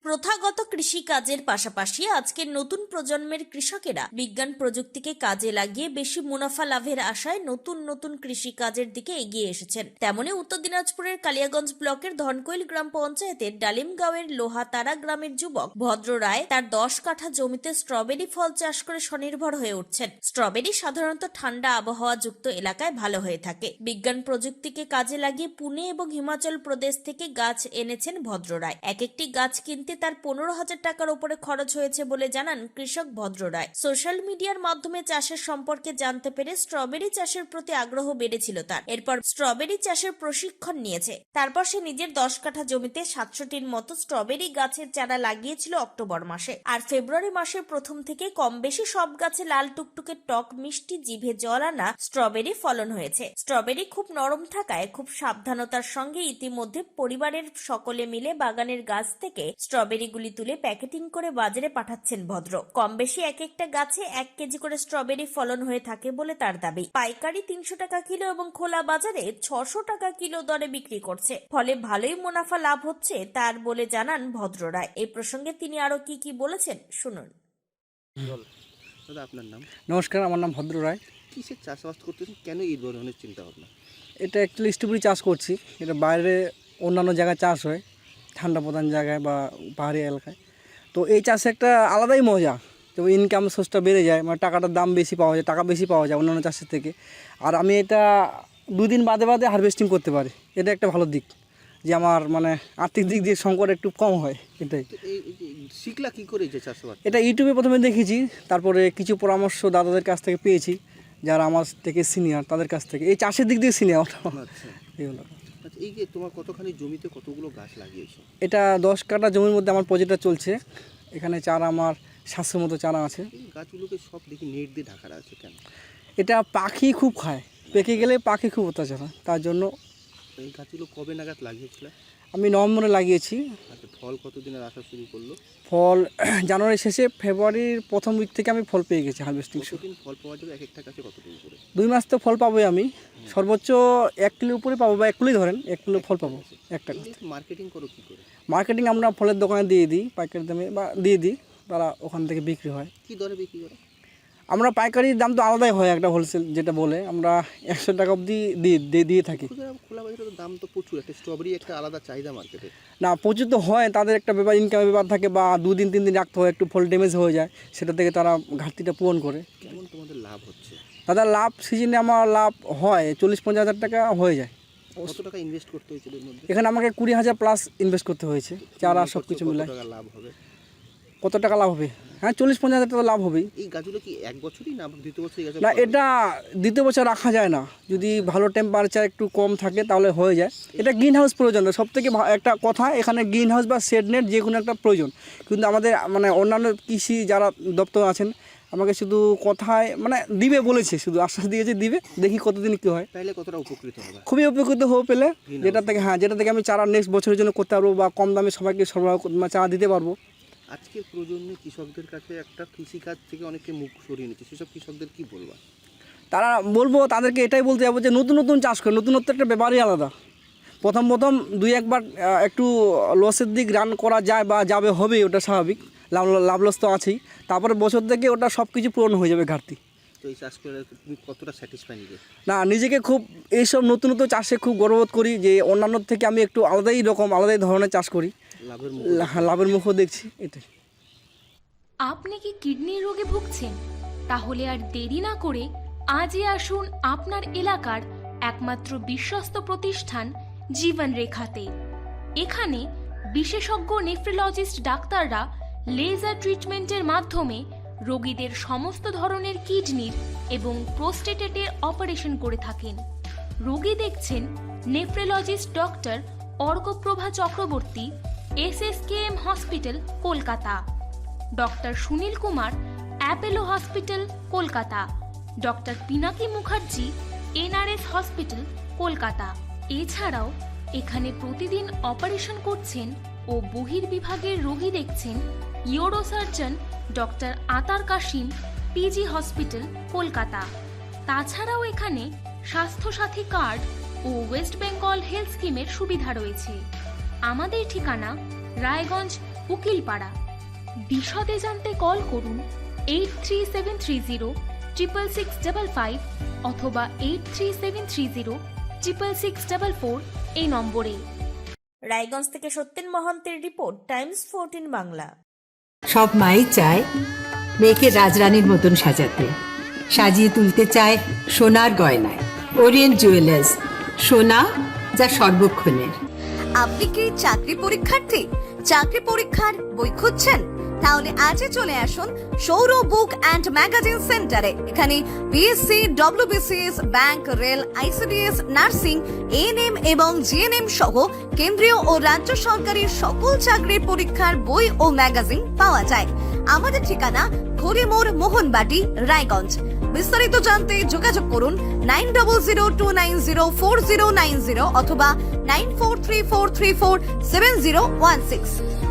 প্রথাগত কৃষিকাজের পাশাপাশি আজকের নতুন প্রজন্মের কৃষকেরা বিজ্ঞান প্রযুক্তিকে কাজে লাগিয়ে বেশি মুনাফা লাভের আশায় নতুন নতুন কৃষিকাজের দিকে এগিয়ে এসেছেন। তেমনি উত্তর দিনাজপুরের কালিয়াগঞ্জ ব্লকের ধনকৈল গ্রাম পঞ্চায়েতের ডালিমগাঁওয়ের লোহাতারা গ্রামের যুবক ভদ্র রায় তার 10 কাঠা জমিতে স্ট্রবেরি ফল চাষ করে স্বনির্ভর হয়ে উঠছেন। স্ট্রবেরি সাধারণত ঠান্ডা আবহাওয়া যুক্ত এলাকায় ভালো হয়ে থাকে। বিজ্ঞান প্রযুক্তিকে কাজে লাগিয়ে পুনে এবং হিমাচল প্রদেশ থেকে গাছ এনেছেন ভদ্র রায়। এক একটি গাছ কিনতে তার 15,000 টাকার উপরে খরচ হয়েছে বলে জানান কৃষক ভদ্র রায়। সোশ্যাল মিডিয়ার মাধ্যমে চাষের সম্পর্কে জানতে পেরে স্ট্রবেরি চাষের প্রতি আগ্রহ বেড়েছিল তার। এরপর স্ট্রবেরি চাষের প্রশিক্ষণ নিয়েছে। তারপর সে নিজের 10 কাঠা জমিতে 700টির মতো স্ট্রবেরি গাছের চারা লাগিয়েছিল অক্টোবর মাসে। আর ফেব্রুয়ারি মাসের প্রথম থেকে কম বেশি সব গাছে লাল টুকটুকে টক মিষ্টি জিভে জল আনা স্ট্রবেরি ফলন হয়েছে। স্ট্রবেরি খুব নরম থাকায় খুব সাবধানতার সঙ্গে ইতিমধ্যে পরিবারের সকলে মিলে বাগানের গাছ থেকে স্ট্রবেরিগুলি তুলে প্যাকেটিং করে বাজারে পাঠাচ্ছেন ভদ্র। কম বেশি এক একটা গাছে 1 কেজি করে স্ট্রবেরি ফলন হয়ে থাকে বলে তার দাবি। পাইকারি 300 টাকা কিলো এবং খোলা বাজারে 600 টাকা কিলো দরে বিক্রি করছে। ফলে ভালোই মুনাফা লাভ হচ্ছে তার বলে জানান ভদ্র রায়। এই প্রসঙ্গে তিনি আরো কি বলেছেন শুনুন। দাদা, আপনার নাম? নমস্কার, আমার নাম ভদ্র রায়। কিসের চাষবাস করতেছেন, কেন এই ধরনের চিন্তা ভাবনা? এটা অ্যাকচুয়ালি স্ট্রবেরি চাষ করছি। এটা বাইরে অন্যান্য জায়গায় চাষ হয়, ঠান্ডা প্রধান জায়গায় বা পাহাড়ি এলাকায়। তো এই চাষে একটা আলাদাই মজা, তো ইনকাম সোর্সটা বেড়ে যায়, মানে টাকাটার দাম বেশি পাওয়া যায়, টাকা বেশি পাওয়া যায় অন্যান্য চাষের থেকে। আর আমি এটা 2 দিন বাদে বাদে হারভেস্টিং করতে পারি। এটা একটা ভালো দিক যে আমার মানে আর্থিক দিক দিয়ে সংকট একটু কম হয়। এটাই শিখলা কি করে যে চাষবাস? এটা ইউটিউবে প্রথমে দেখেছি, তারপরে কিছু পরামর্শ দাদাদের কাছ থেকে পেয়েছি, যারা আমার থেকে সিনিয়র, তাদের কাছ থেকে এই চাষের দিক দিয়ে সিনিয়র। আচ্ছা, এই যে তোমার কতখানি জমিতে কতগুলো গাছ লাগিয়েছো? এটা 10 কাঠা জমির মধ্যে আমার প্রজেক্টটা চলছে। এখানে চারা আমার 700 মতো চারা আছে। এই গাছগুলোকে সব দেখি নেট দিয়ে ঢাকা আছে কেন? এটা পাখি খুব খায়, পেকে গেলে পাখি খুব অত্যাচার হয়, তার জন্য। এই গাছগুলো কবে নাগাদ লাগিয়েছিল? আমি নভেম্বরে লাগিয়েছি। আচ্ছা, ফল কতদিনের আসা শুরু করলো? ফল জানুয়ারি শেষে, ফেব্রুয়ারির প্রথম উইক থেকে আমি ফল পেয়ে গেছি হারভেস্টিং। কতদিন ফল পাওয়া যাবে এক একটা গাছে, কতদিন করে? 2 মাস তো ফল পাবোই আমি, সর্বোচ্চ 1 কিলোর উপরে পাবো, বা 1 কিলোই ধরেন, 1 কিলো ফল পাবো একটা গাছ। মার্কেটিং করো কি করে? মার্কেটিং আমরা ফলের দোকানে দিয়ে দিই, পাইকারি দামে বা দিয়ে দিই, তারা ওখান থেকে বিক্রি হয়। কি দরে বিক্রি করে? আমরা পাইকারির দাম তো আলাদাই হয়, একটা হোলসেল যেটা বলে, আমরা 100 টাকা অবধি দিয়ে থাকি। খোলা বাজারে দাম তো প্রচুর, একটা স্ট্রবেরি একটা আলাদা চাহিদা মার্কেটে। না, প্রচুর তো হয়, তাদের একটা ব্যাপার, ইনকামের ব্যাপার থাকে, বা 2 দিন 3 দিন রাখতে হয়, একটু ফল ড্যামেজ হয়ে যায়, সেটা থেকে তারা ঘাটতিটা পূরণ করে। কেমন তোমাদের লাভ হচ্ছে? দাদা, লাভ সিজনে আমার লাভ হয় 40-50 হাজার টাকা হয়ে যায়। কত টাকা ইনভেস্ট করতে হয়েছিল এর মধ্যে? এখানে আমাকে 20,000 প্লাস ইনভেস্ট করতে হয়েছে, চারা সব কিছু মিলায়। কত টাকা লাভ হবে? কত টাকা লাভ হবে? হ্যাঁ, 40-50 হাজার টাকা লাভ হবেই। এই গাছগুলো কি 1 বছরই না দ্বিতীয় বছর? না, এটা দ্বিতীয় বছর রাখা যায় না, যদি ভালো টেম্পারেচার একটু কম থাকে তাহলে হয়ে যায়। এটা গ্রিন হাউস প্রয়োজন, সব থেকে একটা কথা, এখানে গ্রিন হাউস বা শেড নেট যে কোনো একটা প্রয়োজন। কিন্তু আমাদের মানে অন্যান্য কৃষি যারা দপ্তর আছেন আমাকে শুধু কথায় মানে দিবে বলেছে, শুধু আশ্বাস দিয়েছে দিবে, দেখি কতদিন কী হয়। তাহলে কতটা উপকৃত হবে? খুবই উপকৃত হয়ে পেলে, যেটা থেকে আমি চারা নেক্সট বছরের জন্য করতে পারবো, বা কম দামে সবাইকে সরবরাহ চারা দিতে পারবো। আজকের প্রজন্মে কৃষকদের কাছে একটা কৃষিকাজ থেকে অনেকে মুখ সরিয়ে নিচ্ছে, সেসব কৃষকদের কি বলবা? তারা বলবো, তাদেরকে এটাই বলতে যাবো যে নতুন নতুন চাষ করে, নতুনত্ব একটা ব্যাপারই আলাদা। প্রথম 2-1 বার একটু লসের দিক রান করা যায় বা হবেই, ওটা স্বাভাবিক, লাভ লস তো আছেই। তারপরে বছর থেকে ওটা সব কিছু পূরণ হয়ে যাবে ঘাটতি। তো এই চাষ করে তুমি কতটা স্যাটিসফাই নিজে? না, নিজেকে খুব এইসব নতুন চাষে খুব গর্ববোধ করি যে অন্যান্য থেকে আমি একটু আলাদাই ধরনের চাষ করি, লাভের মুখও দেখছি। এটাই। আপনি কি কিডনি রোগে ভুগছেন? তাহলে আর দেরি না করে আজই আসুন আপনার এলাকার একমাত্র বিশ্বস্ত প্রতিষ্ঠান জীবন রেখাতে। এখানে বিশেষজ্ঞ নেফ্রোলজিস্ট ডাক্তাররা লেজার ট্রিটমেন্টের মাধ্যমে রোগীদের সমস্ত ধরনের কিডনির এবং প্রোস্টেটের অপারেশন করে থাকেন। রোগী দেখছেন nephrologist doctor Arkaprabha Chakraborty, SSKM hospital, Kolkata. Doctor Sunil Kumar, Apollo hospital, Kolkata. Doctor Pinaki Mukherjee, NRS hospital, Kolkata. এছাড়াও এখানে প্রতিদিন অপারেশন করছেন ও বহির্বিভাগের রোগী দেখছেন ইউরোসার্জন ডক্টর আতার কাশিম, PG হসপিটাল, কলকাতা। তাছাড়াও এখানে স্বাস্থ্যসাথী কার্ড ও ওয়েস্ট বেঙ্গল হেলথ স্কিমের সুবিধা রয়েছে। আমাদের ঠিকানা রায়গঞ্জ উকিলপাড়া। বিশদে জানতে কল করুন 8373306655 অথবা 8373066644 এই নম্বরে। রায়গঞ্জ থেকে সত্যেন মহন্তের রিপোর্ট, টাইমস 14 বাংলা। সব মাই চায় মেয়েকে রাজরানীর মতন সাজাতে, সাজিয়ে তুলতে চায় সোনার গয়নায়। ওরিয়েন্ট জুয়েলার্স, সোনা যা সর্বক্ষণের। আপনি কি চাকরি পরীক্ষার্থী? চাকরি পরীক্ষার বই খুঁজছেন? তাহলে আজই চলে আসুন সৌর বুক অ্যান্ড ম্যাগাজিন সেন্টারে। এখানে BSc, WBCS, bank, rail, ICDS, nursing, ANM এবং জিএনএম সহ কেন্দ্রীয় ও রাজ্য সরকারি সকল চাকরির পরীক্ষার বই ও ম্যাগাজিন পাওয়া যায়। আমাদের ঠিকানা ঘড়িমোড়, মোহনবাটি, রায়গঞ্জ। বিস্তারিত জানতে যোগাযোগ করুন 9002904090 অথবা 9434347016।